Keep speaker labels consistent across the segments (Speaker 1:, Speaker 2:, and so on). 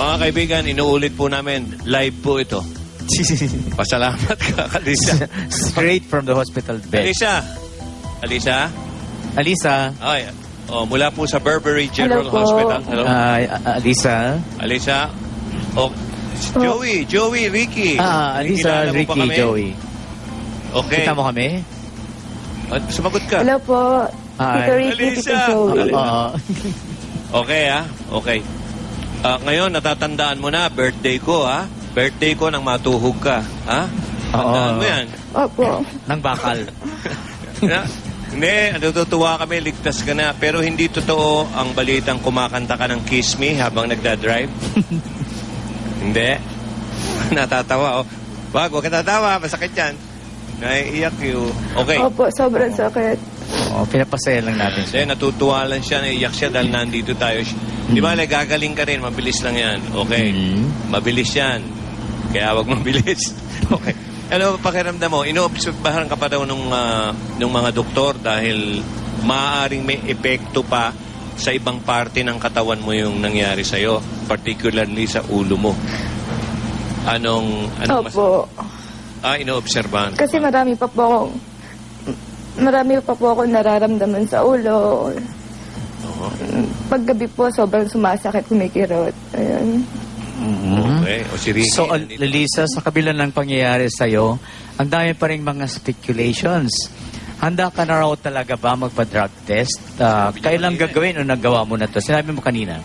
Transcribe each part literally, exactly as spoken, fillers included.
Speaker 1: Mga kaibigan, inuulit po namin, live po ito. Pasalamat ka, Alisa.
Speaker 2: Straight from the hospital bed.
Speaker 1: Alisa. Alisa.
Speaker 2: Alisa.
Speaker 1: Ay, oh, mula po sa Burberry General
Speaker 3: Hello po.
Speaker 1: Hospital. Hello.
Speaker 2: Ay, a- Alisa.
Speaker 1: Alisa. Oh, Joey, Joey, Ricky.
Speaker 2: Ah, Alisa,
Speaker 1: Kilala mo ba
Speaker 2: Ricky,
Speaker 1: kami?
Speaker 2: Joey.
Speaker 1: Okay.
Speaker 2: Kita mo kami?
Speaker 1: Ah, sumagot ka.
Speaker 3: Hello po.
Speaker 2: Hi.
Speaker 3: Tito Ricky,
Speaker 1: Alisa.
Speaker 3: Tito Joey.
Speaker 2: Oo.
Speaker 1: Okay, ah. Okay. Ah, ngayon, natatandaan mo na, birthday ko, ha? Birthday ko nang matuhog ka, ha? Tandaan
Speaker 2: Oo.
Speaker 1: mo yan.
Speaker 3: Opo.
Speaker 2: Nang bakal.
Speaker 1: Na, hindi, natutuwa kami, ligtas ka na. Pero hindi totoo ang balitang kumakanta ka ng Kiss Me habang nagdadrive. Hindi. Natatawa, oh. Wag, huwag ka tatawa, masakit yan. Naiiyak you. Okay.
Speaker 3: Opo, sobrang sakit.
Speaker 2: Oo, pinapasaya lang natin
Speaker 1: Kasi
Speaker 2: siya.
Speaker 1: natutuwa lang siya, naiiyak siya dahil nandito tayo. Di ba, like, gagaling ka rin, mabilis lang yan. Okay.
Speaker 2: Mhm.
Speaker 1: Mabilis yan. Kaya wag mabilis. Okay. Ano pakiramdam mo? Inoobserbahan ka pa daw nung, ah, nung mga doktor dahil maaaring may epekto pa sa ibang parte ng katawan mo yung nangyari sa'yo, particularly sa ulo mo. Anong, anong mas...
Speaker 3: Opo.
Speaker 1: Ah, inoobserbahan ka
Speaker 3: Kasi
Speaker 1: pa.
Speaker 3: marami pa po akong marami pa po akong nararamdaman sa ulo.
Speaker 1: Oo.
Speaker 3: Paggabi po, sobrang sumasakit, kumikirot. Ayun.
Speaker 2: Mhm.
Speaker 1: Okay. O si Ricky.
Speaker 2: So, Al-
Speaker 1: nandito.
Speaker 2: Alisa, sa kabila ng pangyayari sa'yo, ang dami pa rin mga speculations. Handa ka na raw talaga ba magpa-drug test? Ah, kailan gagawin o nagawa mo na to? Sinabi mo kanina.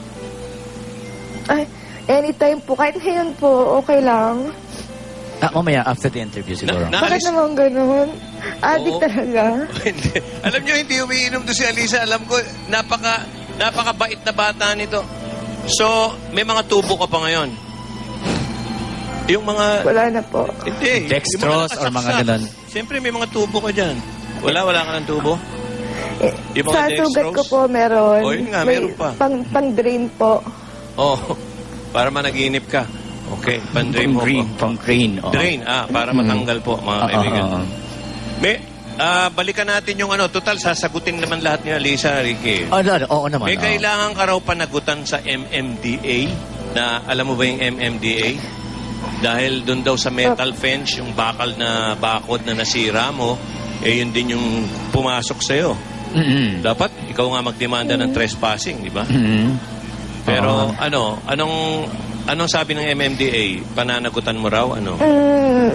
Speaker 3: Ay, anytime po, kahit ngayon po, okay lang.
Speaker 2: Ah, mamaya, after the interview siguro.
Speaker 1: Na-
Speaker 3: Bakit
Speaker 1: Naalis-
Speaker 3: naman ganun? Adik
Speaker 1: Oo.
Speaker 3: talaga.
Speaker 1: Hindi. Alam nyo, hindi umiinom to si Alisa. Alam ko, napaka, napakabait na bata nito. So, may mga tubo ka pa ngayon. Yung mga...
Speaker 3: Wala na po.
Speaker 1: Hindi.
Speaker 2: Dextrose or mga ganun.
Speaker 1: Siyempre, may mga tubo ka dyan. Wala, wala ka ng tubo?
Speaker 3: Eh,
Speaker 1: Yung mga
Speaker 3: sa sugat
Speaker 1: dextrose?
Speaker 3: ko po meron.
Speaker 1: Oh, yun nga,
Speaker 3: May
Speaker 1: meron pa.
Speaker 3: Pang, pang drain po.
Speaker 1: Oh, para managinip ka. Okay, pan-drain
Speaker 2: Pang
Speaker 1: mo
Speaker 2: green.
Speaker 1: po.
Speaker 2: Pang green. oo.
Speaker 1: Drain, ah, para matanggal po, mga
Speaker 2: Oo,
Speaker 1: kaibigan.
Speaker 2: oo, oo.
Speaker 1: May, ah, balikan natin yung ano, total, sasagutin naman lahat ni Alisa, Ricky.
Speaker 2: Oh, no, no, oo naman.
Speaker 1: May
Speaker 2: oo.
Speaker 1: kailangan ka raw panagutan sa M M D A na alam mo ba yung M M D A? Dahil doon daw sa metal fence, yung bakal na bakod na nasira mo, eh yun din yung pumasok sa'yo.
Speaker 2: Mhm.
Speaker 1: Dapat ikaw nga magdemanda ng trespassing, di ba?
Speaker 2: Mhm.
Speaker 1: Pero
Speaker 2: Oo.
Speaker 1: ano, anong anong sabi ng M M D A? Pananagutan mo raw? Ano?
Speaker 3: Mm.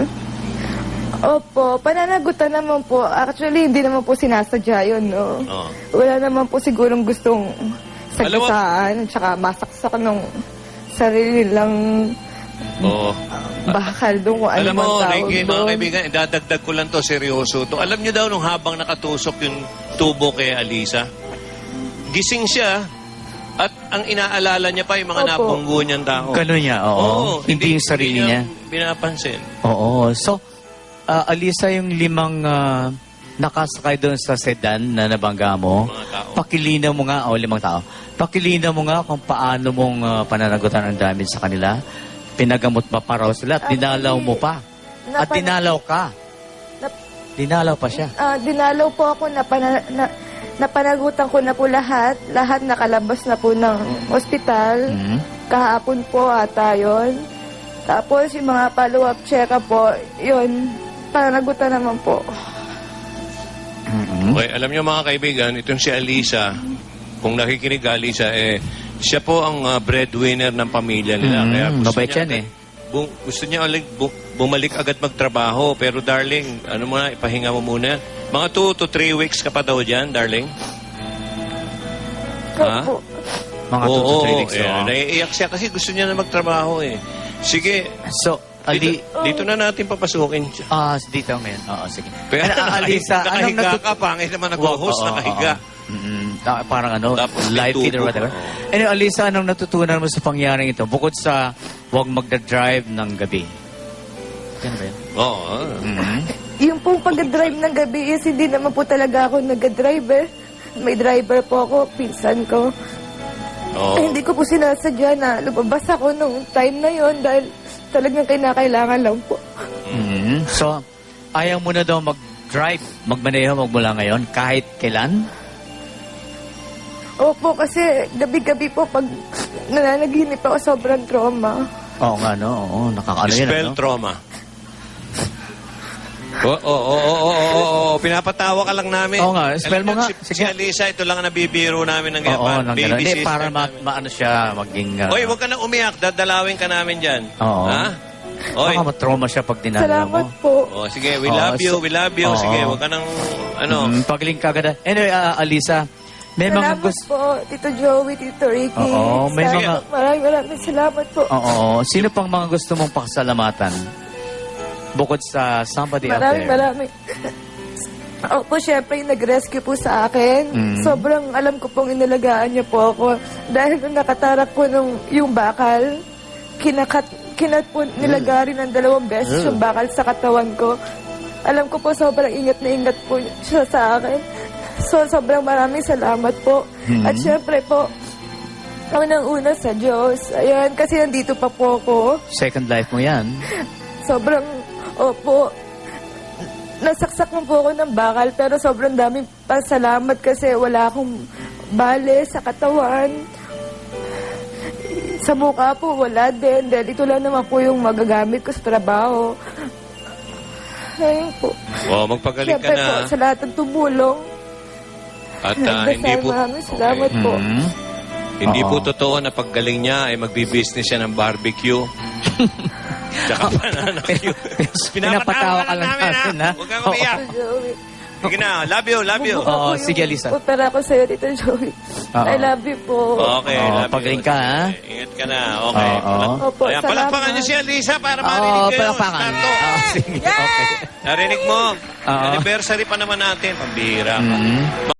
Speaker 3: Opo, pananagutan naman po. Actually, hindi naman po sinasadya yun, no?
Speaker 1: Oh.
Speaker 3: Wala naman po sigurong gustong
Speaker 1: Alam mo-
Speaker 3: sagasaan, tsaka masaksak ng sarili lang
Speaker 1: Oo.
Speaker 3: bakal doon kung ano
Speaker 1: Alam mo,
Speaker 3: man tawag
Speaker 1: Ricky, mga
Speaker 3: doon.
Speaker 1: kaibigan, idadagdag ko lang to, seryoso to. Alam niyo daw, nung habang nakatusok yung tubo kay Alisa, gising siya, at ang inaalala niya pa yung mga
Speaker 3: Opo.
Speaker 1: napunggo niyang tao.
Speaker 2: Ganun niya, oo. hindi, yung sarili niya.
Speaker 1: Binapansin.
Speaker 2: Oo. So, ah, Alisa, yung limang ah, nakasakay doon sa sedan na nabangga mo,
Speaker 1: Mga tao.
Speaker 2: pakilinaw mo nga, o limang tao, pakilinaw mo nga kung paano mong ah, pananagutan ang damage sa kanila. Pinagamot ba pa raw sila at
Speaker 3: Actually,
Speaker 2: dinalaw mo pa. At
Speaker 3: napana-
Speaker 2: dinalaw ka.
Speaker 3: Nap-
Speaker 2: Dinalaw pa siya.
Speaker 3: Ah, dinalaw po ako na, pana- na napanagutan ko na po lahat. Lahat nakalabas na po ng ospital.
Speaker 2: Mhm.
Speaker 3: Kahapon po ata yun. Tapos yung mga follow-up check-up po, yun, panagutan naman po.
Speaker 2: Mhm.
Speaker 1: Okay, alam niyo mga kaibigan, itong si Alisa, kung nakikinig ka, Alisa, eh, siya po ang ah, breadwinner ng pamilya nila.
Speaker 2: Mm,
Speaker 1: Kaya gusto
Speaker 2: mabait
Speaker 1: niya,
Speaker 2: yan eh.
Speaker 1: bu- gusto niya ulit bu- bumalik agad magtrabaho. Pero darling, ano muna, ipahinga mo muna. Mga two to three weeks ka pa daw dyan, darling. Ha?
Speaker 3: Opo.
Speaker 2: Mga two to three weeks.
Speaker 1: eh,
Speaker 2: oo.
Speaker 1: naiiyak siya kasi gusto niya na magtrabaho eh. Sige,
Speaker 2: So, Ali,
Speaker 1: dito, dito na natin papasukin siya.
Speaker 2: ah, dito ngayon. Oo, sige.
Speaker 1: Pero
Speaker 2: Ano, ah, Alisa, anong
Speaker 1: nakahiga
Speaker 2: natut-
Speaker 1: ka, pangit naman nag-host,
Speaker 2: Oo, oo,
Speaker 1: nakahiga.
Speaker 2: oo. Mm, ah, parang ano,
Speaker 1: Tapos
Speaker 2: live
Speaker 1: may
Speaker 2: feed or
Speaker 1: tubo.
Speaker 2: whatever.
Speaker 1: Oo.
Speaker 2: Anyway, Alisa, anong natutunan mo sa pangyaring ito? Bukod sa huwag magda-drive ng gabi. Yan ba yun?
Speaker 1: Oo.
Speaker 2: Mhm.
Speaker 3: Yung pong pag-drive ng gabi is hindi naman po talaga ako nag-driver. May driver po ako, pinsan ko.
Speaker 1: Oo.
Speaker 3: Eh, hindi ko po sinasadya na lumabas ako nung time na yon dahil talagang kinakailangan lang po.
Speaker 2: Mhm. So, ayaw mo na daw mag-drive, magmaneho magmula ngayon kahit kailan?
Speaker 3: Opo, kasi gabi-gabi po pag nananaginip ako, sobrang trauma.
Speaker 2: Oo nga, no? Oo, nakakaano yan,
Speaker 1: Spell
Speaker 2: ano?
Speaker 1: trauma. Oo, oo, oo, oo, oo, oo, pinapatawa ka lang namin.
Speaker 2: Oo nga, spell mo
Speaker 1: Alam
Speaker 2: nga.
Speaker 1: Si,
Speaker 2: Sige.
Speaker 1: si Alisa, ito lang ang nabibiro namin ng
Speaker 2: Oo,
Speaker 1: ganyan.
Speaker 2: nang
Speaker 1: Baby
Speaker 2: gano'n. Hindi,
Speaker 1: sister
Speaker 2: para ma,
Speaker 1: namin.
Speaker 2: maano siya, maging... uh,
Speaker 1: Oy, huwag ka na umiyak. Dadalawin ka namin dyan.
Speaker 2: Oo.
Speaker 1: Ha? Oy.
Speaker 2: Baka matrauma siya pag dinala
Speaker 3: Salamat
Speaker 2: mo.
Speaker 3: po.
Speaker 1: Oh, sige, we
Speaker 2: Oo,
Speaker 1: love you,
Speaker 2: so-
Speaker 1: we love you.
Speaker 2: Oo.
Speaker 1: Sige, huwag ka nang, ano.
Speaker 2: Mm, pagaling ka agad. Anyway, ah, Alisa, may mga
Speaker 3: Salamat
Speaker 2: gusto...
Speaker 3: po, Tito Joey, Tito Ricky.
Speaker 2: Oo, may
Speaker 3: Sa-
Speaker 2: mga-
Speaker 3: Maraming maraming salamat po.
Speaker 2: Oo. Sino pang mga gusto mong pasalamatan? Bukod sa somebody out
Speaker 3: Maraming
Speaker 2: there.
Speaker 3: maraming. Opo, syempre yung nag-rescue po sa akin.
Speaker 2: Mm.
Speaker 3: Sobrang alam ko pong inalagaan niyo po ako. Dahil nung nakatarak po nung, yung bakal, kinakat, kinat po nilagari ng dalawang beses yung bakal sa katawan ko. Alam ko po sobrang ingat na ingat po siya sa akin. So, sobrang maraming salamat po.
Speaker 2: Mm.
Speaker 3: At syempre po, unang-una sa Diyos. Ayan, kasi nandito pa po ako.
Speaker 2: Second life mo yan.
Speaker 3: Sobrang, opo, nasaksak mo po ako ng bakal, pero sobrang daming pasalamat kasi wala akong bale sa katawan. Sa mukha po, wala din. Dahil ito lang naman po yung magagamit ko sa trabaho. Ayun po.
Speaker 1: Oh, magpagaling ka
Speaker 3: Siyempre
Speaker 1: na.
Speaker 3: po, sa lahat ng tumulong.
Speaker 1: At ah,
Speaker 3: Nagdasal,
Speaker 1: hindi po,
Speaker 3: maraming salamat po.
Speaker 2: Mm.
Speaker 1: hindi po
Speaker 2: Oo.
Speaker 1: totoo na paggaling niya ay magbi-business siya ng barbecue. Tsaka pananakyu.
Speaker 2: Pinapatawa ka lang namin, ha?
Speaker 1: Huwag kang umiyak.
Speaker 3: Tito Joey.
Speaker 1: Sige na, love you, love you.
Speaker 3: Bumuka
Speaker 2: Oo,
Speaker 3: po yung
Speaker 2: sige, Lisa.
Speaker 3: Opera ko sa'yo, Tito Joey.
Speaker 2: Oo.
Speaker 3: I love you po.
Speaker 1: Okay,
Speaker 2: Oo,
Speaker 1: love you.
Speaker 2: pagaling ka, ha?
Speaker 1: Sige, Ingat ka na, okay.
Speaker 2: Oo.
Speaker 3: Opo,
Speaker 1: Ayan,
Speaker 3: salamat.
Speaker 1: palakpakan niyo si Alisa para marinig
Speaker 2: Oo,
Speaker 1: kayo.
Speaker 2: palakpakan.
Speaker 1: Starto.
Speaker 2: Oo, sige, okay.
Speaker 1: Narinig mo?
Speaker 2: Oo.
Speaker 1: Anniversary pa naman natin, pambihira ka.
Speaker 2: Mm.